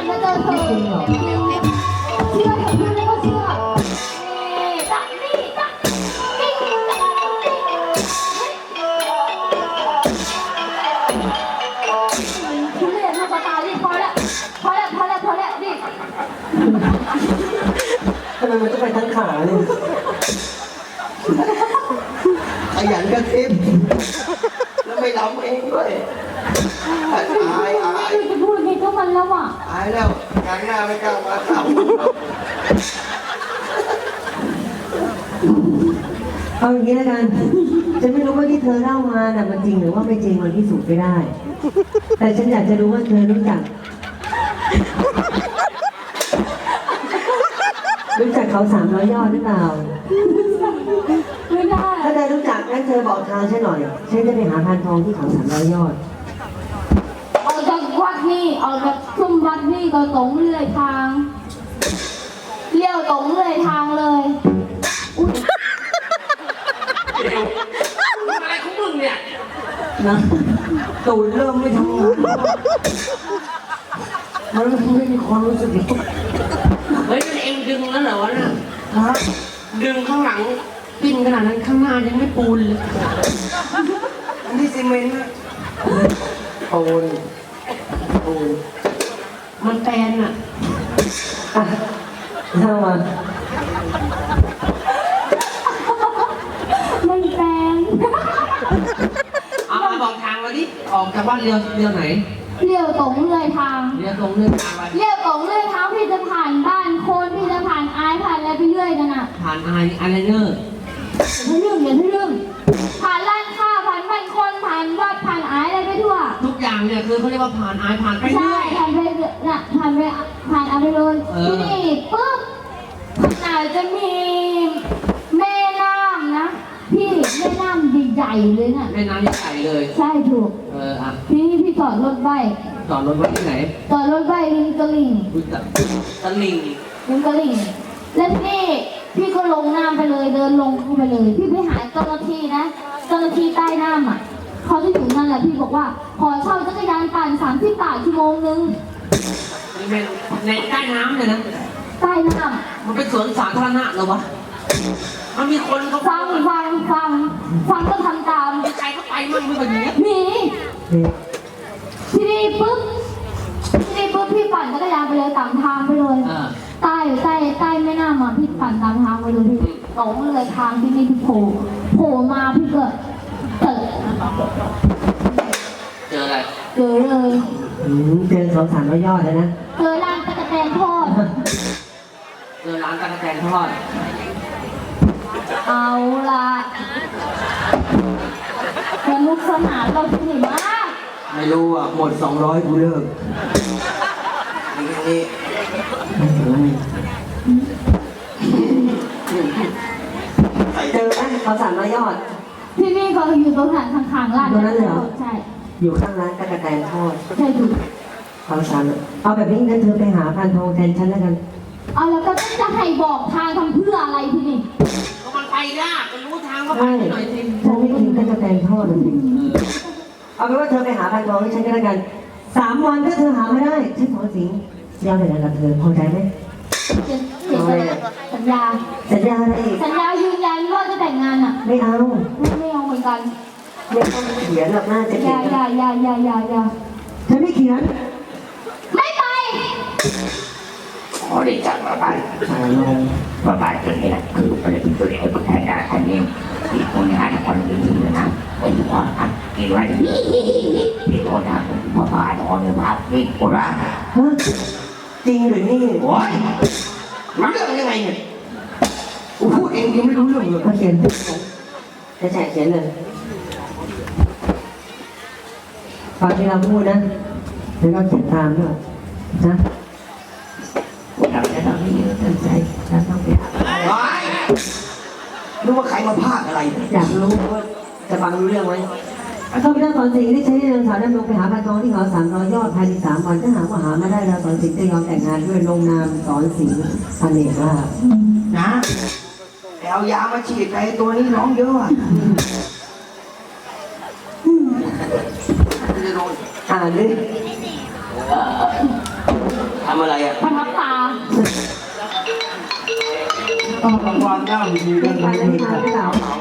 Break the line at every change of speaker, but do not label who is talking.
มาเจอเธอเชื่อเถอะพี่แล้วก็เชื่อนี่จักนี่จักกิ๊กทุเรศลูกตาดิพอแล้วดิ
ทำไมมันต้องไปทั้งขาเลยขยันกระซิบแล้วไม่ร้องเองด้วยอาย
จะพูดไงก็มันแล้วอ่ะ
อายแล้วงานหน้าไม่กล้ามาทำ
เอาอย่างนี้แล้วกันฉันไม่รู้ว่าที่เธอเล่ามาน่ะมันจริงหรือว่าไม่จริงมันพิสูจน์ไม่ได้ แต่ฉันอยากจะรู้ว่าเธอรู้จักเขา300 ยอดหรือเปล่า
ไม่ได้
ถ้าเธอรู้จักงั้นเธอบอกทางฉันหน่อยฉันจะไปหาพานทองที่เขา300 ยอด
ออกจากวัดนี่ออกจากซุ้มวัดนี่ก็ตรงเรื่อยทางเลี้ยวตรงเรื่อยทางเลย
อะไรของมึงเนี่ย
นะตูดเริ่มไม่ทำงานมันไม่มีความรู้สึก
เฮ้ยเองดึงแล้วเหรอวะน่ะดึงข้างหลังปิ้นขนาดนั้นข้างหน้ายังไม่ปูนเลยอันนี้ซีเมนต์นะปูนมันแปลนอ่ะ
เท่าวัน
ไม่แปลง
เอามาบอกทางเราดิออกจากบ้านเรือไหน
เลี้ยวตรงเรื่อยทาง
เรือตรงเรือทางไป
เลี้ยวตรงเรื่อยทางพี่จะผ่านบ้านคนพี่จะผ่านอายผ่านอะไรไปเรื่อยนั่นน่ะ
ผ่านอะไรเนอร์
อย่าเรื่องผ่านร้านค้าผ่านบ้านคนผ่านวัดผ่านอายอะไรไปทั่ว
ทุกอย่างเนี่ยคือเขาเรียกว่าผ่านผ่านไปเรื่อย
ผ่านไปน่ะผ่านอะไรเลยที่นี่ปุ๊บอาจจะมีแม่น้ำนะพี่แม่น้ำใหญ่ๆเลยน่ะ
แม่น้ำใหญ่เลย
ใช่ถูก
อ่ะ
พี่จอดรถไว้
ที่ไหน
จอดรถไว้ริมตลิ่ง
ริม
ตลิ่งแล้วพี่ก็ลงน้ำไปเลยเดินลงเข้าไปเลยพี่ไปหาเจ้าหน้าที่นะเจ้าหน้าที่ใต้น้ำอ่ะเขาจะอยู่นั่นแหละพี่บอกว่าขอเช่าจักรยานปั่น30 บาทชั่วโมงนึง
ในใต้น้ำเลยนะ
ใต้น้ำ
มันเป็นสวนสาธารณะเหรอวะมันมีคนเขา
ฟังก็ทำตาม
ใครเขาไปมั่งไม่แบบนี้
มีที่นี่ปุ๊บพี่ปั่นจักรยานไปเลยตามทางไปเลยใต้แม่น้ำอ่ะพี่ปั่นตามทางไปเลยพี่ตรงเลยทางที่นี่พี่โผล่มาพี่ก็เ
จออะไร
เจอเลย
เจอเขา300 ยอดแล้วนะ
เจอร้านตะกะแตนทอดเอาละสนุกสนานเราที่ไหนมาก
ไม่รู้อ่ะหมด200กูเลิกนี่
เจอไหมเขา300 ยอด
ที่นี่เขาอยู่ตรงข้างร้าน
ตรงนั้นเลยเหรอ
ใช่
อยู่ข้างร้านตะกะแตนทอด
ใช่ถูก
เขาเอาแบบนี้งั้นเธอไปหาพานทองแทนฉันแล้วกัน
เอาแล้วก็จะให้บอกทางทำเพื่ออะไรทีนี้
ก็มันไปยากมันรู้ทางก็ไปหน่อยสิ
ฉันไม่กินตะกะแตนทอดเลยเอาเป็นว่าเธอไปหาพานทองให้ฉันก็แล้วกัน3 วันถ้าเธอหาไม่ได้ฉันขอสิงยาวเลยนะกับเธอพอใจไหม
สัญญา
อะไร
สัญญายืนยันว่าจะแต่งงานอ่ะ
ไม่เอา
เหมือนกัน
ไม่ต้องเขียนหรอกน่าจะเขียน
อย่า
ฉันไม่เขียน
ไม่ไป
ขอได้จับมาบ้านมาบ้านตัวนี้นะคือประเด็นตัวเองคนไทยคนนี้ที่คนงานคนอื่นนะคนที่ว่ากินไว้ที่คนทำมาบ้านนอนในบ้านนี่คนละ
จริงหรือนี่
โอ้ยมันเรื่องยังไงเนี่ย
กูพูดเองยังไม่รู้เรื่องเลย
เขาเขียนจะแฉเขียนเลยฟังที่เราพูดนะแล้วก็เขียนตามด้วยนะ
เราจะต้องมีตั้งใจเราต้องไปหา
รู้ว่าใครมาพากอะไร
อยากรู้ว่าจะฟังรู้เรื่องไหมข้าพเจ้าสอนสิงห์ได้ใช้นางสาวดำรงไปหาพานทองที่เขา300 ยอดภายใน3 วันถ้าหากว่าหามาได้แล้วสอนสิงห์จะยอมแต่งงานด้วยลงนามสอนสิงห์อเนกลาภ
นะเอายามาฉีดไปตัวนี้ร้องเยอะอ่ะ
อ่านดิ
อ
ำอะไรอ่ะ
ประทับตา
ต้องรางวัลด้ามดี
เล่นกันแล้วไม่มาหรือเปล่า